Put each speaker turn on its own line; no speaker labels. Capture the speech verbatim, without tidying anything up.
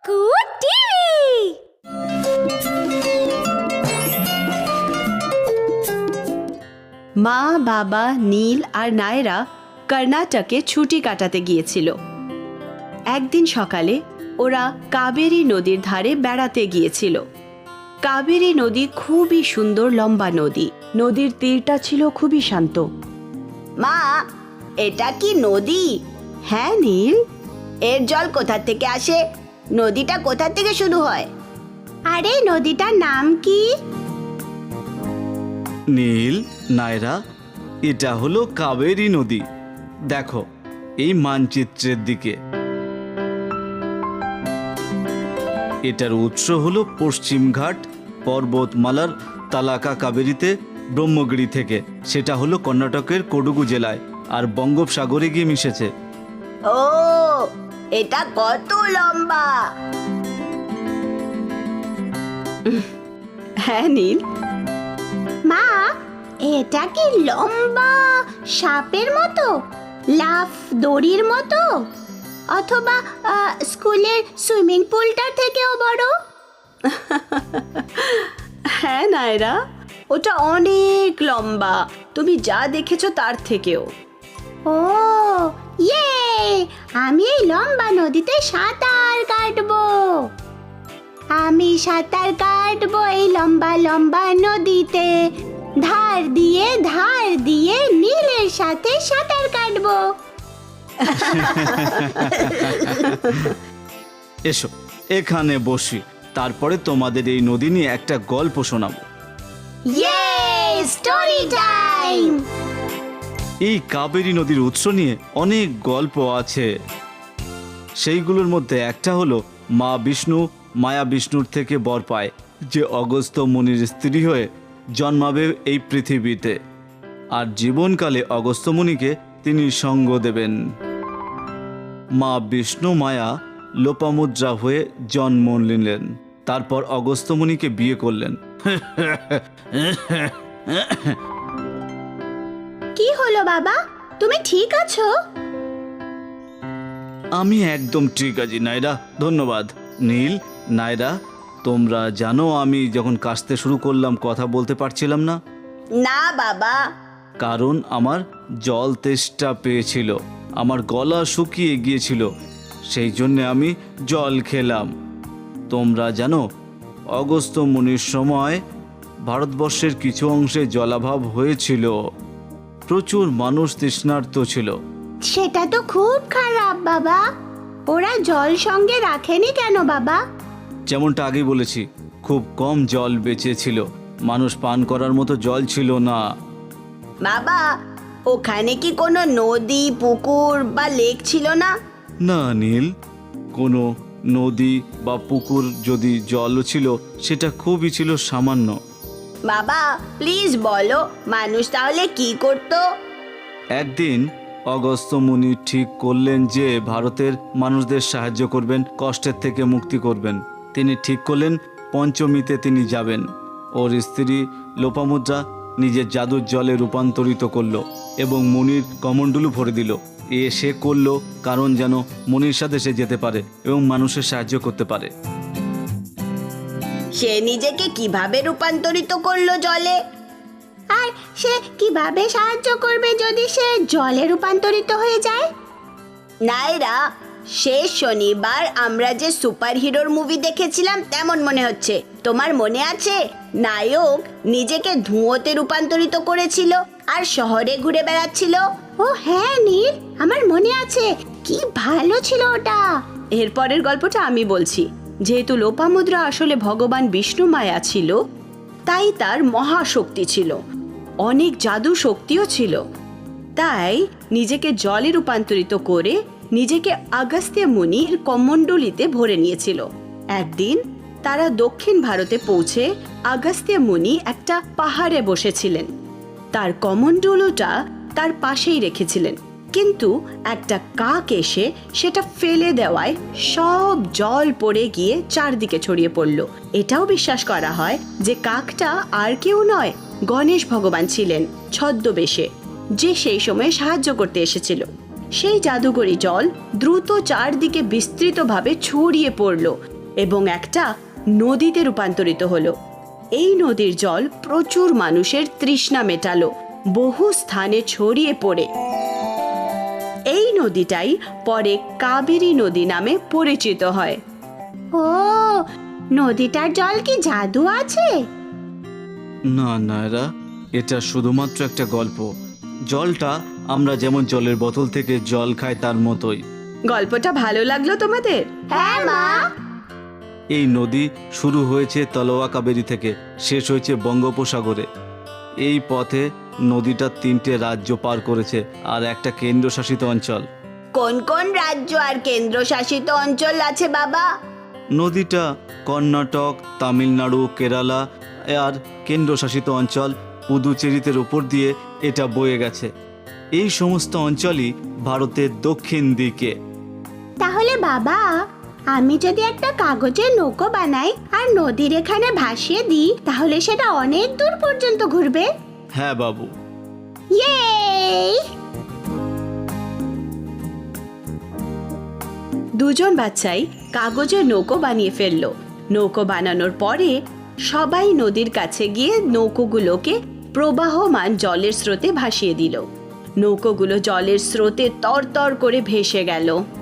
কুকু টিভি।
মা, বাবা, নীল আর নায়রা কর্ণাটকে ছুটি কাটাতে গিয়েছিল। একদিন সকালে ওরা কাবেরী নদীর ধারে বেড়াতে গিয়েছিল। কাবেরী নদী খুবই সুন্দর লম্বা নদী। নদীর তীরটা ছিল খুবই শান্ত।
মা, এটা কি নদী?
হ্যাঁ নীল।
এর জল কোথা থেকে আসে? নদীটা কোথা থেকে শুরু হয়?
আরে নদীটার নাম কি?
নীল, নায়রা, এটা হলো কাবেরী নদী। দেখো এই মানচিত্রের দিকে। এটার উৎস হলো পশ্চিমঘাট পর্বতমালার তালাকা কাবেরীতে ব্রহ্মগিরি থেকে। সেটা হলো কর্ণাটকের কোডুগু জেলায় আর বঙ্গোপসাগরে গিয়ে মিশেছে।
ও, এটা কত লম্বা!
হ্যাঁ নীল।
মা, এটা কি লম্বা সাপের মতো, লাফ দড়ির মতো, অথবা আহ, স্কুলের সুইমিং পুলটার থেকেও বড়?
হ্যাঁ নায়রা, ওটা অনেক লম্বা, তুমি যা দেখেছো তার থেকেও।
ও ইয়ে, আমি এই লম্বা নদীতে সাঁতার কাটবো। আমি সাঁতার কাটবো এই লম্বা লম্বা নদীতে, ধার দিয়ে ধার দিয়ে নীলের সাথে সাঁতার কাটবো।
এসো এখানে বসি, তারপরে তোমাদের এই নদী নিয়ে একটা গল্প শোনাবো।
ইয়ে, স্টোরি টাইম।
এই কাবেরী নদীর উৎস নিয়ে অনেক গল্প আছে। সেইগুলোর মধ্যে একটা হলো মা বিষ্ণু মায়া বিষ্ণুর থেকে বর পায় যে অগস্ত্য মুনির স্ত্রী হয়ে জন্মাবে এই পৃথিবীতে, আর জীবনকালে অগস্ত্য মুনিকে তিনি সঙ্গ দেবেন। মা বিষ্ণু মায়া লোপামুদ্রা হয়ে জন্ম নিলেন, তারপর অগস্ত্য মুনিকে বিয়ে করলেন।
কি হলো বাবা, তুমি ঠিক আছো?
আমি একদম ঠিক আছি নায়রা, ধন্যবাদ। নীল, নায়রা, তোমরা জানো আমি যখন কাশতে শুরু করলাম কথা বলতে পারছিলাম না?
না বাবা।
কারণ আমার জল তেষ্টা পেয়েছিল, আমার গলা শুকিয়ে গিয়েছিল, সেই জন্যে আমি জল খেলাম। তোমরা জানো অগস্ত্য মুনির সময় ভারতবর্ষের কিছু অংশে জলাভাব হয়েছিল, প্রচুর মানুষ তৃষ্ণার্ত ছিল।
সেটা তো খুব খারাপ বাবা। ওরা জল সঙ্গে রাখেনি কেন বাবা?
যেমনটা আগে বলেছি, খুব কম জল বেঁচে ছিল, মানুষ পান করার মতো জল ছিল না।
বাবা, ওখানে কি কোনো নদী পুকুর বা লেক ছিল না?
না নীল, কোনো নদী বা পুকুর যদি জল ছিল সেটা খুবই ছিল সামান্য।
বাবা প্লিজ বলো, মানুষ তাহলে কি করতো?
একদিন অগস্ত্য মুনি ঠিক করলেন যে ভারতের মানুষদের সাহায্য করবেন, কষ্টের থেকে মুক্তি করবেন। তিনি ঠিক করলেন পঞ্চমীতে তিনি যাবেন। ওর স্ত্রী লোপামুদ্রা নিজের জাদুর জলে রূপান্তরিত করলো এবং মুনির কমণ্ডলু ভরে দিল। এ সে করলো কারণ যেন মুনির সাথে সে যেতে পারে এবং মানুষের সাহায্য করতে পারে।
সে নিজেকে কিভাবে রূপান্তরিত করলো জলে?
আর সে কিভাবে সাহায্য করবে যদি সে জলে রূপান্তরিত হয়ে যায়?
নায়রা, শেষ শনিবার আমরা যে সুপার হিরোর মুভি দেখেছিলাম তেমন মনে হচ্ছে। তোমার মনে আছে নায়ক নিজেকে ধুঁয়োতে রূপান্তরিত করেছিল আর শহরে ঘুরে বেড়াচ্ছিল?
ও হ্যাঁ নীল, আমার মনে আছে। কি ভালো ছিল ওটা।
এরপরের গল্পটা আমি বলছি। যেহেতু লোপামুদ্রা আসলে ভগবান বিষ্ণু মায়া ছিল, তাই তার মহাশক্তি ছিল, অনেক জাদু শক্তিও ছিল। তাই নিজেকে জলে রূপান্তরিত করে নিজেকে অগস্ত্য মুনির কমণ্ডলিতে ভরে নিয়েছিল। একদিন তারা দক্ষিণ ভারতে পৌঁছে অগস্ত্য মুনি একটা পাহাড়ে বসেছিলেন। তার কমণ্ডলুটা তার পাশেই রেখেছিলেন, কিন্তু একটা কাক এসে সেটা ফেলে দেওয়ায় সব জল পড়ে গিয়ে চারদিকে ছড়িয়ে পড়ল। এটাও বিশ্বাস করা হয় যে কাকটা আর কেউ নয়, গণেশ ভগবান ছিলেন ছদ্মবেশে, যে সেই সময় সাহায্য করতে এসেছিল। সেই জাদুকরি জল দ্রুত চারদিকে বিস্তৃতভাবে ছড়িয়ে পড়ল এবং একটা নদীতে রূপান্তরিত হলো। এই নদীর জল প্রচুর মানুষের তৃষ্ণা মেটালো, বহু স্থানে ছড়িয়ে পড়ে। এই নদীটাই পরে কাবেরী নদী নামে পরিচিত হয়।
ও, নদীটার জল কি জাদু আছে?
না নায়রা, এটা শুধুমাত্র একটা গল্প। জলটা আমরা যেমন জলের বোতল থেকে জল খাই তার মতোই।
গল্পটা ভালো লাগলো তোমাদের?
হ্যাঁ মা।
এই নদী শুরু হয়েছে তলোয়া কাবেরী থেকে, শেষ হয়েছে বঙ্গোপসাগরে। এই পথে নদীটা তিনটে রাজ্য পার করেছে আর একটা কেন্দ্রশাসিত অঞ্চল।
কোন কোন রাজ্য আর কেন্দ্রশাসিত অঞ্চল আছে বাবা?
নদীটা কর্ণাটক, তামিলনাড়ু, কেরালা আর কেন্দ্রশাসিত অঞ্চল পুদুচেরিতের উপর দিয়ে এটা বয়ে গেছে। এই সমস্ত অঞ্চলই ভারতের দক্ষিণ দিকে।
তাহলে বাবা, আমি যদি একটা কাগজের নৌকো বানাই আর নদীর এখানে ভাসিয়ে দিই, তাহলে সেটা অনেক দূর পর্যন্ত ঘুরবে।
হ্যাঁ বাবু।
ইয়ে!
দুজন বাচ্চাই কাগজের নৌকো বানিয়ে ফেললো। নৌকো বানানোর পরে সবাই নদীর কাছে গিয়ে নৌকোগুলোকে প্রবাহমান জলের স্রোতে ভাসিয়ে দিল। নৌকোগুলো জলের স্রোতে তরতর করে ভেসে গেল।